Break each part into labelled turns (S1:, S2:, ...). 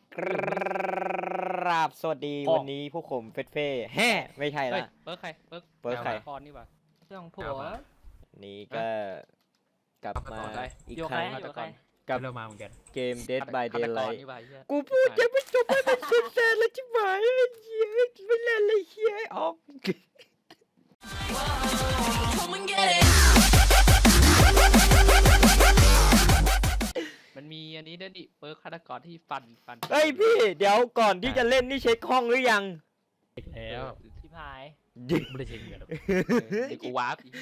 S1: ครับสวัสดีวันนี้พวกผมเฟสเฟ่แฮ่ไม่ใช่ละ
S2: เปิร์กใครเปิร์ก
S1: ใคร
S2: คอนนี่ป่ะ
S3: เรื่องผัว
S1: นี้ก็กลับมาอีกครั้ง
S3: อยู่ใคร
S1: กับ
S4: เรามาเหมือนกัน
S1: เกม Dead by
S2: ฆาตกร
S1: Daylight
S2: นี่ป่ะไอ้เหี้ย
S1: กูพูดยังไม่จบไม่เป็นสุดแสนแล้วจิ๋วหายไอ้เหี้ยไม่เล่นเลยเหี้ยออก
S5: Come and get it.
S2: มันมีอันนี้ด้วยดิเปิร์กฆาตกรที่ฟัน
S1: เฮ้ยพี่เดี๋ยวก่อนที่จะเล่นนี่เช็คห้องหรือยัง
S4: อีกแล้ว
S3: ชิบหาย
S4: ไม่ได้เช็คเหมือนกัน
S2: เดี๋ยวกูวาร์ปอีก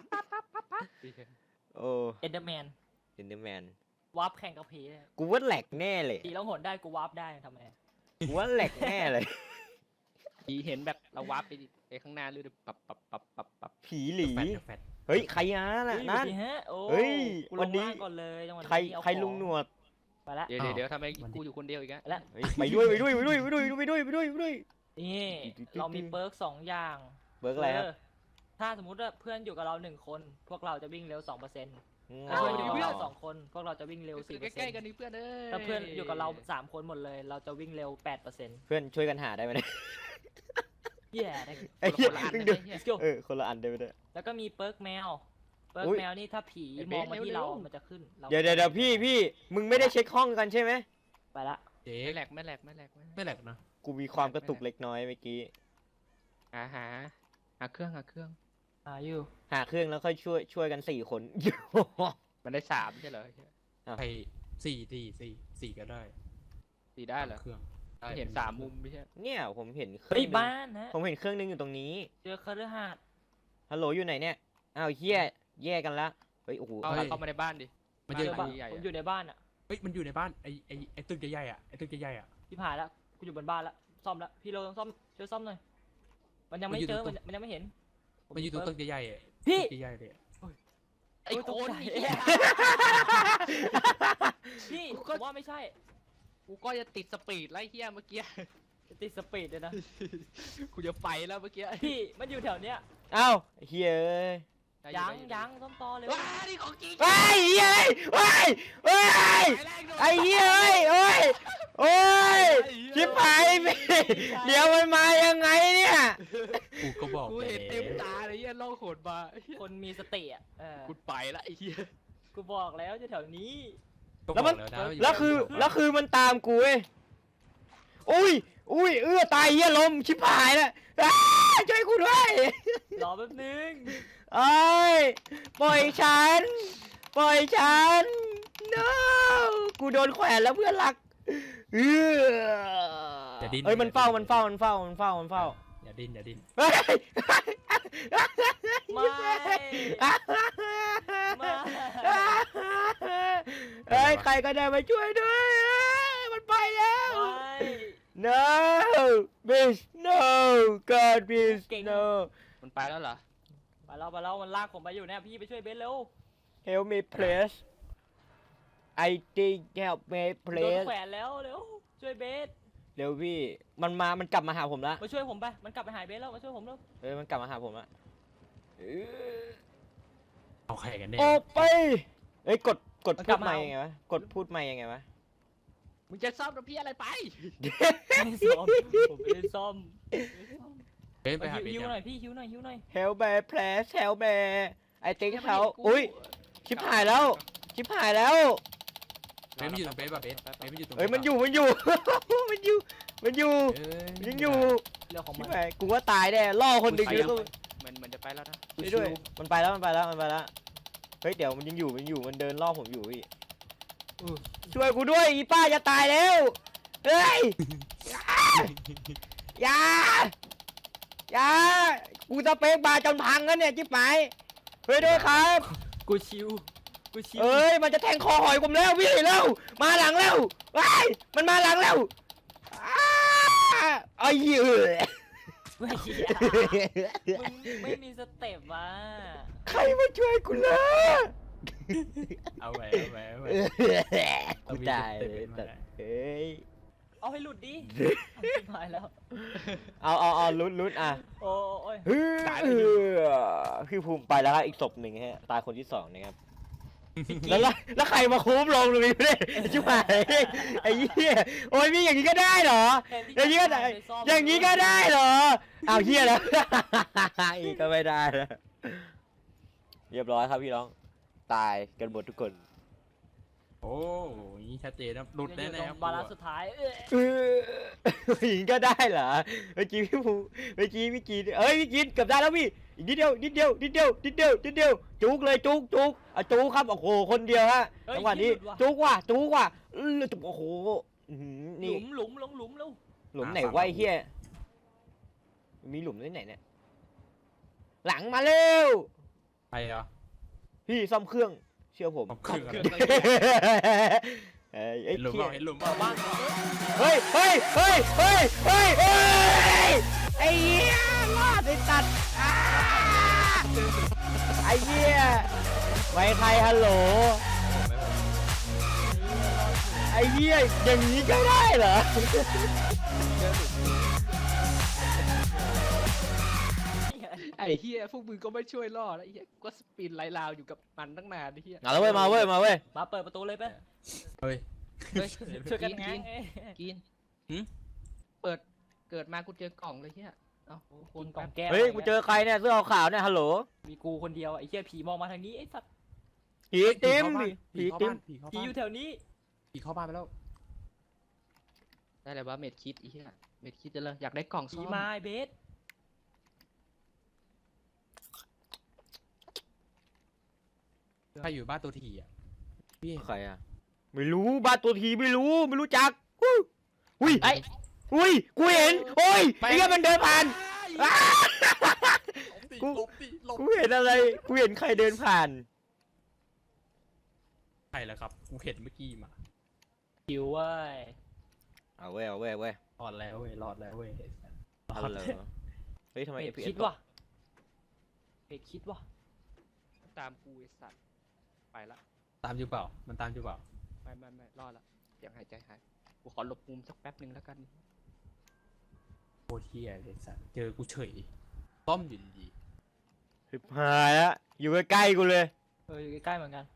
S1: โอ้
S3: เอ็นเดอร์แมน
S1: เอ็นเดอร์แมน
S3: วาร์ปแข่งกับผีเนี่ย
S1: กูว่าแหลกแน่เลย
S3: ผีแล้วหนได้กูวาร์ปได้ทำไม
S1: กูว่าแหลกแน่เลย
S2: ผีเห็นแบบเราวาร์ปไปข้างหน้าเลยปับ
S1: ผีหลี
S4: แฟด
S1: เฮ้ยใครนะน่ะ
S3: เฮ้ย
S1: นั่น
S3: สวัสดีฮะโอ้
S1: เฮ้ย
S3: กู
S1: วั
S3: ล
S1: น
S3: ง
S1: นี้
S3: ล่างก่อนเลยจังหวะนี้
S1: ใคร
S3: เอา
S1: ใครลุงหนวด
S3: ไปละ
S2: เดี๋ยวทำไมกูอยู่คนเดียวอีกอะ
S3: ไปละ
S1: เฮ้ยไปด้วยไปด้วยไปด้วยไปด้วยไปด้วยไปด้วยไปด้วย
S3: นี่เรามีเปิร์ก2อย่าง
S1: เบิร์กอะไรครับ
S3: ถ้าสมมุติว่าเพื่อนอยู่กับเรา1คนพวกเราจะวิ่งเร็ว 2%ถ้า
S1: อ้า
S3: เพื่อนอยู่กับ
S1: ว
S3: เรา2คนพวกเราจะวิ่งเร็ว
S2: ใกล้ๆกันนี่เพื่อนเอ้ย
S3: 4%ถ้าเพื่อนอยู่กับเรา3คนหมดเลย เราจะวิ่งเร็ว 8%
S1: เพื่อนช่วยกันหาได้ไหมเนี่ย
S3: แย่ได้
S1: ไอ้เหี้ย
S2: คนละอัน
S1: มึง
S2: เล
S1: ดู
S2: ยเนี่ย
S3: let's go
S1: คนละอันได้ไหมเนี่ย
S3: แล้วก็มีเปิร์กแมว เปิร์
S1: อุ๊
S3: ก
S1: ย
S3: แมวนี่ถ้าผี
S2: ไอ้
S3: ม
S2: เบ
S3: อง
S2: ส
S3: มาที่
S2: เร็ว
S3: เรา
S2: ๆ
S3: มันจะขึ้นรา
S1: เดี๋ยวพี่มึงไม่ได้เช็คห้องกันใช่ไหม
S3: ไปละ
S4: เจ๊
S2: ไม่แหลกไม่แหลก
S4: ไม่แหลกนะ
S1: กูมีความกระตุกเล็กน้อยเมื่อกี้
S2: หาเครื่อง
S3: อยู่
S1: หาเครื่องแล้วค่อยช่วยกัน4 คน
S2: มันได้3ใช่เหรอ
S4: ไปสี่ก็ได้
S2: สี่ได้เหรอ
S4: เครื่อง
S2: เห็น3มุมไม่ใช่
S1: เนี่ยผมเห็นเครื่
S3: เฮ้
S1: อย งนึง
S3: บ้านนะ
S1: ผมเห็นเครื่องนึงอยู่ตรงนี้
S3: เจอคฤหาสน์
S1: ฮัลโหลอยู่ไหนเนี่ยอ้าวเฮียแยกกันละเฮ้ยโอ้โห
S2: เข้ามาในบ้านดิ
S4: มัน
S3: เจ
S4: จะ
S3: อบ้าน
S2: ใหญ่ๆ
S3: ผมอยู่ในบ้านอ่ะ
S4: เฮ้ยมันอยู่ในบ้านไอ้ตึกใหญ่ๆอ่ะไอ้ตึกใหญ่ๆอ่ะ
S3: พี่ผ่านแล้วกูอยู่บนบ้านแล้วซ่อมแล้วพี่โรต้องซ่อมช่วยซ่อมหน่อยมันยังไม่
S4: มันอยู่
S3: เจอ
S4: ตรง
S3: มันยังไม่เห็น
S4: มันอยู่ตรงตึกใหญ่ๆอ่ะ
S3: พี่
S4: ตึกใหญ่ๆเลย
S2: ไอ้โคน
S3: พี่
S2: กู
S3: ผ
S2: ก็
S3: มว่าไม่ใช่
S2: กูก็จะติดสปีดไล่เฮียเมื่อกี้
S3: ติดสปีดเลยนะ
S2: กูจะไปแล้วเมื่อกี้
S3: พี่มันอยู่แถวเนี้ย
S1: อ้าวเฮียเอ้ย
S3: ยังซ่อมต่อเร็ว
S2: ว้านี่ของจริง
S1: เฮ้ยเฮียเฮ้ยเฮ้ยไอ้เฮียเฮ้ยโอ้ยโอ้ยชิบหายไปเดี๋ยวมันมายังไงเนี่ย
S4: กูก็บอก
S2: กูเห็นเต็มตาเลยเฮียล่องโขดมา
S3: คนมีสติอ่ะ
S2: กูไปละไอ้เฮีย
S3: กูบอกแล้วจะแถวนี้
S1: แล้วคือมันตามกูเว้ยอุ้ยตายเฮียล้มชิบหายแล้วช่วยกูด้วย
S3: รอแป๊บนึง
S1: เอ้ยปล่อยฉัน no กูโดนแขวนแล้วเพื่อนรักเอ้ยมันเฝ้า
S4: อย่าดิ้น
S1: เฮ้ย
S3: ไม่ไม่
S1: เฮ้ยใครก็ได้มาช่วยด้วยมันไปแล้ว
S3: ไม่
S1: no bitch no god bitch no
S2: มันไปแล้วเหรอ
S3: ไปแล้วมันลากผมไปอยู่เนี่ยพี่ไปช่วยเบสเร็ว
S1: help me please I think help me
S3: โดน
S1: please
S3: แขวนแล้วเร็วช่วยเบส
S1: เร็วพี่มันกลับมาหาผมละ
S3: มาช่วยผมไปมันกลับไปหาเบสแล้วมาช่วยผมเร็ว
S1: มันกลับมาหาผมละ
S4: เอาใครกันแน่
S1: ออกไปเอ้ยกดพูดไม่ยังไงวะกดพูดไม่ยังไงวะ
S2: มึงจะซ่อมกับพี่อะไรไป
S3: ไม่ซ่อมผมไม่ได้ซ่อม
S4: เฮ้ยไปหาเบส
S3: หิว
S4: ยัง
S3: หน่อยพี่หิวหน่อย
S1: help me please help me I think help อุ้ยชิบหายแล้ว
S4: เบสมันอยู่ตรงเบสป่ะเบสมันอยู่ตรง
S1: เอ้ยมันอยู่ มันอยู่ ยังอยู่
S3: เรื่องของ
S1: ชิ
S3: มั
S1: บ
S3: น
S1: หายกูว่าตายแน่ล่อคนดึงแล้วก็
S2: มันจะไปแล้วนะ
S1: ไปด้วยมันไปแล้วเฮ้ยเดี๋ยวมันยังอยู่มันเดินล่อผมอยู่พี่ช่วยกูด้วยอีป้าจะตายแล้วเฮ้ยอย่ากูจะเป๊กบาจนพังแล้วเนี่ยจิ๊บหายช่วยด้วยครับ
S3: กูชิว
S1: เอ้ยมันจะแทงคอหอยผมแล้วพี่เร็วมาหลังแล้วว้ายมันมาหลังแล้วไอ้เหี้ย
S3: ไม่เหี้ยมึงไม่มีสเต็ปว่ะ
S1: ใครมาช่วยกูเลย
S4: เอาไว้
S1: กูตายเลยเฮ้ย
S3: เอาให้หลุดดิชิบหายแล้ว
S1: เอาลุ้นอ่ะ
S3: โอ้ย
S1: พี่ภูมิไปแล้วครับอีกศพหนึ่งฮะตายคนที่2นะครับแล้วใครมาคุ้มลงตรงนี้เนี่ยชิบหายไอ้เหี้ยโอ้ยมีอย่างนี้ก็ได้เหรอ อย่างนี้ก็ได้ อย่างนี้ก็ได้เหรอเอาวเหี้ยแล้ว อีกก็ไม่ได้แล้วเรียบร้อยครับพี่น้องตายกันหมดทุกคน
S4: โอ้ยนี่ชัดเจนนะหลุด
S3: จะอยู่
S4: แน่
S3: ตร
S4: ๆครั
S3: ง
S4: บบ
S3: าลานซ์สุดท้าย
S1: อย่างนี้ก็ได้เหรอเมื่อกี้พี่ภูเมื่อกี้พี่กีนเอ้ยพี่กีนเกือบได้แล้วพี่อีกนิดเดียวนิดเดียวนิดเดียวนิดเดียวนิดเดียวจุกเลยจุกจุกอ่ะจุกครับโอ้โหคนเดียวฮะจังหวะนี้จุกว่ะจุกว่ะจุกโอ้โหอื้อหือ
S3: ห
S1: นี่
S3: ลุมหลุมลงหลุมแล้ว
S1: หลุมไหนวะไอ้เหี้ยมีหลุมที่ไหนเนี่ยหลังมาเร็ว
S4: ไปเหรอ
S1: พี่ซ่อมเครื่องเชื่อผม
S4: ผมเครื่อง
S2: เครื่อง
S4: อะไร
S1: เอ้ย
S4: เห็นหลุม
S1: เหี้
S4: เป
S1: ย
S4: ล่าเห็นหลุมเป
S3: เปิ
S4: ล่า
S3: ดบ้าน
S1: เฮ้ยเฮ้ยเฮ้ยเฮ้ยเฮ้ยเฮ้ยไอ้เหี้ยรอดไอ้ตัดอ้าไอ้เหี้ยไว้ใครฮัลโหลไอ้เหี้ยอย่างนี้ก็ได้เหรอ
S2: ไอ้เฮียพวกมึงก็ไม่ช่วยล่อแล้วไอ้เฮียก็สปินไล่ลาวอยู่กับมันตั้งนานไอ้เฮีย
S1: มาแล้วเว้ยมาเว้ยมาเว้ย
S3: มาเปิดประตูเลยไป
S4: เฮ้ย
S2: เฮ้ย
S3: ช่วยกัน
S2: กิ
S3: ง้าง
S2: น
S3: เอ้ย
S2: กิน
S4: หืม
S2: เปิดเกิดมากูเจอกล่องเลยเฮียเอ้า
S3: คนกล่องแก้ว
S1: เฮ้ยกูเจอใครเนี่ยเสื้อขาวๆเนี่ยฮัลโหล
S3: มีกูคนเดียวไอ้เหี้ยผีมองมาทางนี้ไอ้สัตว์
S1: ผีติม
S4: ผี
S1: ผี
S4: เข้า
S1: ติ
S4: บ้าม นผีเข้า
S3: ผี
S4: บ้าน
S3: อยู่แถวนี้
S4: ผีเข้าบ้านไปแล้ว
S2: ได้เลยว่าเม็ดคิดไอ้เฮียเม็ดคิดจะเลยอยากได้กล่อง
S3: ผี
S2: ซ่อม
S3: มาไอ้เบส
S4: ใครอยู่บ้านตัวทีอ่ะพี่
S1: ใครอะไม่รู้บ้านตัวทีไม่รู้จักอุ้ย
S2: ไอ้
S1: อุ้ยกูเห็นโอ้ยไอ้เหี้ยมันเดินผ่านอ้า กู
S4: หลบดิหลบ
S1: กูเห็นอะไรกูเห็นใครเดินผ่าน
S4: ใครล่ะครับกูเห็นเมื่อกี้มา
S3: หิวเว้ย
S1: เอาเว้ยเอาเว้ยเอาเว้ย
S4: รอดแล้วเว้ยรอดแล้วเว้ย
S1: เอาเลยเฮ้ยทำไม
S3: เบส
S1: FPS
S3: คิด
S1: ตก
S3: ว่ะเบสคิดว่ะ
S2: ตามกูไอ้สัตว์ไปละ
S4: ตามอยู่เปล่ามันตามอยู่เปล่า
S2: ไม่รอดละเสียงหายใจหายกูขอหลบมุมสักแป๊บหนึ่งแล้วกัน
S4: โคตรเฮียเลยสัสเจอกูเฉยต้อมอยู่ดี
S1: สิบหายละอยู่ใกล้ๆกูเลย
S3: อยู่ใกล้ๆเหมือนกัน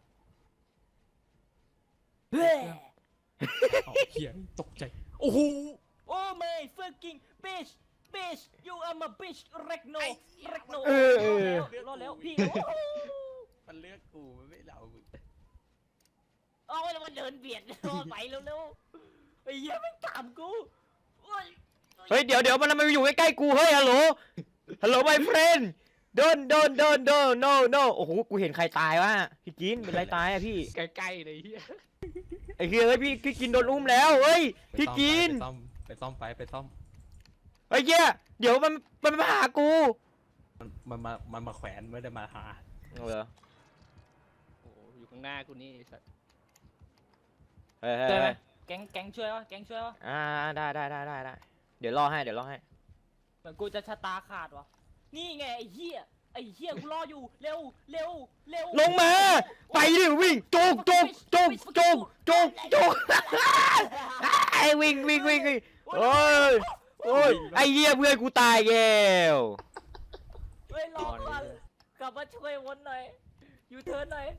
S4: ๆเอาเฮียตกใจโอ้โห
S3: โอ้ไม่ fucking bitch bitch you are my bitch regno regno รอดแล้วพี่
S4: มันเลือกกูมันไม่เรามึง
S3: เอาแล้วมันเดินเบียดรอไปเร็วๆไอ้เหี้ยไม่ตามกูโอ้ย
S1: เฮ้ยเดี๋ยวมันมาอยู่ใกล้ๆกูเฮ้ยฮัลโหล my friend don't no โอ้โหกูเห็นใครตายวะพี่กินเป็นไรตายอะพี่
S2: ใกล้ๆเลยเฮีย
S1: ไอ้เฮียเฮ้ยพี่กินโดนอุ้มแล้วเฮ้ยพี่กิน
S4: ไปซ่อมไปซ่อม
S1: ไอ้เหี้ยเดี๋ยวมันมาหากู
S4: มันมาแขวนไม่ได้มาหา
S1: เอาเหรอ
S2: โอ้โหอยู่ข้างหน้ากูนี่ไอ้สัตว์
S1: เฮ้ย
S3: ช่วยไหมแก๊งช่วยวะแก๊งช่วยวะ
S1: ได้เดี๋ยวรอให้
S3: เหมือนกูจะชะตาขาดวะนี่ไงไอ้เหี้ยกูรออยู่เร็ว
S1: ลงมาไปดิวิ่งจุกไอ้วิ่งโอ้ยไอ้เหี้ยเพื่อนกูตายแก้ว
S3: เฮ้ยรอก่อนกลับมาช่วยวนหน่อยยูเทิร์นหน่อย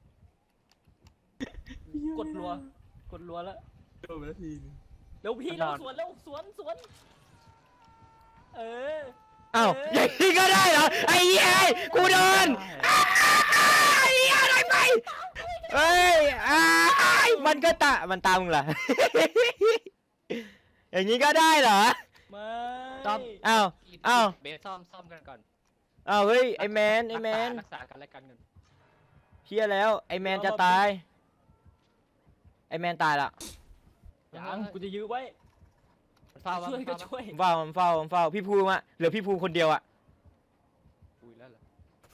S3: กดรัวแล้ว
S4: โดนไปแล้วทีนึง
S3: เร็วพี่เร็วสวนเออ
S1: อ้าวอย่างนี้ก็ได้เหรอไอ้เหี้ยกูโดนไอ้เหี้ยอะไรไปเฮ้ยมันก็มันตามมึงเหรอ อย่างนี้ก็ได้เหรอ
S3: ไม่
S1: อ้าว
S2: เบสซ่อมกันก่อน
S1: อ้าวเฮ้ยไอ้แมน
S2: รักษากันและกันกัน
S1: เชี่ยแล้วไอ้แมนจะตายไอ้แมนตายละ
S3: ยังกูจะยื้อไว้
S2: มันเฝ้า
S3: ช่วยก็ช่วย
S1: มันเฝ้าพี่ภูมิอะเหลือพี่ภูมิคนเดียวอะ
S2: อุ้ยแล้วเหรอ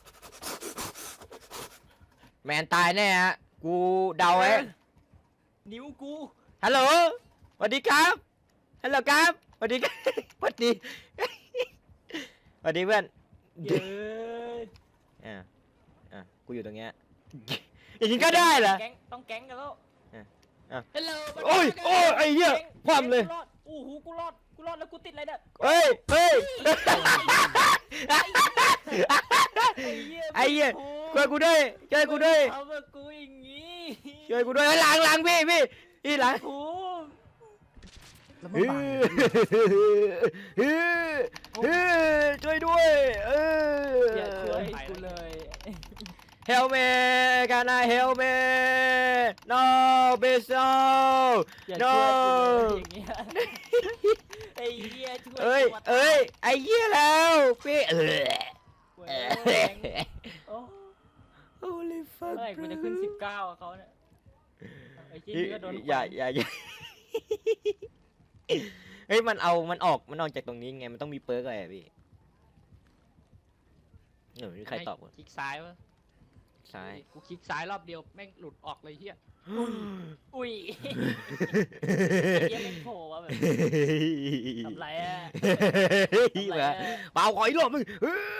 S1: แมนตายแน่ฮะกูเดาไว้
S3: นิ้วกู
S1: ฮัลโหลสวัสดีครับฮัลโหลครับสวัสดีครับสวัสดีสวัสดีเพื่อน
S3: เย้ย
S1: กูอยู่ตรงเนี้ยอย่างนี้ก็ได้เหรอ
S3: ต้องแก๊งกันแล้ว
S2: ฮัลโหล
S1: โอ้ยไอ้เหี้ยคว่ำเลย
S3: กูรอดโอ้โหกูรอดแล้วกูติดอะไรเนี่ย
S1: เฮ้ยไอ้เหี้ยช่วยกูด้วยช่วยกูด้วย
S3: ทำกับกูอย่างงี้
S1: ช่วยกูด้วยหลังพี่หลัง
S3: ภูมิ
S4: แล้ว
S1: เอ
S4: มาบัง
S1: ช่วยด้วย
S3: อย่าช่วยกูเลย
S1: Help me can I help me no please no
S3: อย่า
S1: no
S3: ช่วยกูเลยอย่างเงี้ยไอ้เหี้ยช่วย
S1: เอ้ย
S3: ตัวตา
S1: เอ้ยไอ้เหี้ยแล้วพี่
S3: เว้ยโอ้
S1: Holy
S3: เมื่
S1: fuck
S3: อไหร่กูจะขึ้น19อะเขาเนี่ยไอ้ชิ้นนี้ก็โดน
S1: อย่าเฮ้ยมันออกจากตรงนี้ไงมันต้องมีเปิร์กอะไรอะพี่มีใครตอบวะ
S2: คลิกซ้ายวะ
S1: ซ้าย
S2: กูคลิกซ้ายรอบเดียวแม่งหลุดออกเลยเฮีย
S3: อุ้ยไอ้เหี้ยไม่โผล่วะแบบทำไรอะ
S1: เปล่าขออีกรอบมึง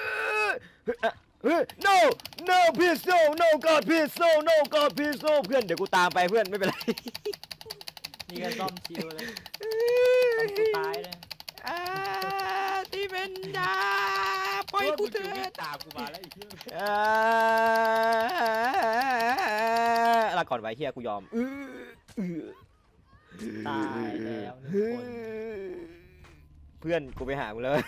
S1: no no please no no god please no no god please no เพื่อนเดี๋ยวกูตามไปเพื่อนไม่เป็นไร
S3: นี่ก็ซ่อมชิวเลยทำกูตายเลย
S1: ที่เป็นดาปล่อยกูเถ
S2: วิ่
S1: อะ
S2: งตามกูมาแล้วไอ้เหี้ย
S1: ลาก่อนไว้เฮียกูยอม
S3: ตายแล้วหนึ่งคน
S1: เพื่อนกูไปหามึงเลย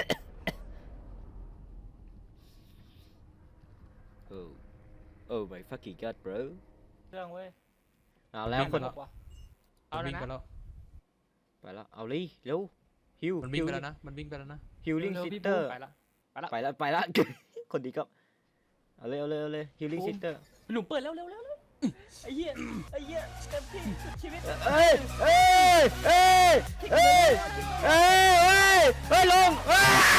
S1: โอ้ my fucking god bro
S3: เครื่องเว้ย
S1: เอาแล้วคน
S2: เอา
S4: มัน
S2: แล้ว
S4: วิ่ง
S2: นะ
S4: ไปแล้ว
S1: ไปแล้วเอาเลยเร็วฮิว
S4: มันวิ่งไปแล้วนะมันวิ่งไปแล้วนะ
S1: ฮิวลิ่ง
S2: เร็ว
S1: ซิ
S2: ๆพี่
S1: สเตอ
S2: บู
S1: ร์
S2: ไปละ
S1: ไปแล้ว คนดีก็เอาเลยฮิวลิ่งซิสเตอร์
S3: หลุมเปิดเร็วไอ้เหี้ยเต็มที่สุดชีวิต
S1: เอ้ยลงเอ้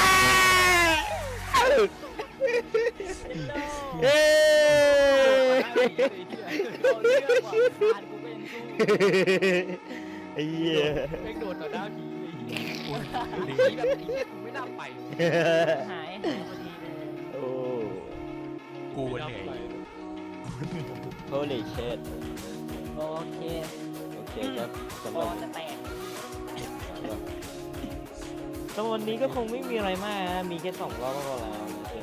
S1: ย
S3: เอาเรื่องว่ะผ่านกูเป็นสู้
S1: ไอ้เหี้ย
S2: แม่งโดดต่อหน้าผีเลยดีแบบไอ้เหี้ยกูไม่น่าไป
S3: หายพอดีเลย
S1: โอ้
S4: กูเหนื่อย
S1: holy shit
S3: โอเค
S1: โอเคครับสำ
S3: บ
S1: ห
S3: อ
S1: รับ
S3: ลจะแตก
S1: สำหรับวันนี้ก็คงไม่มีอะไรมากนะมีแค่2 รอบก็พอแล้ว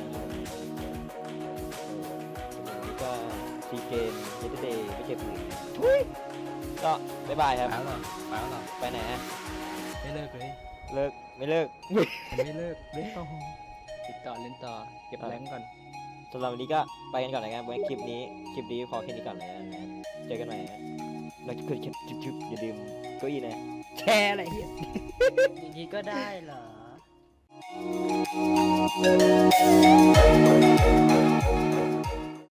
S1: นี่ก็ซีเกมเยตเดย์ไม่เจ็บมือทุยก็บ๊ายบายครับ
S4: ไปแล้วเหรอไปแล้วเหรอ
S1: ไปไหนฮะ
S4: ไม่เลิกเลย
S1: เลิกไม่เลิก
S4: ไม่เลิกเล่นต่อ
S2: ติดต่อเล่นต่อเก็บแรงก่อน
S1: สำหรับวันนี้ก็ไปกันก่อนนะครับไว้คลิปนี้พอแค่นี้ก่อนเลยนะเจอกันใหม่นะแล้วก็จุ๊บอย่าลืมเก้าอี้นะแชร์อะไรเหี้ย
S3: อย่างนี้ก็ได้เหรอ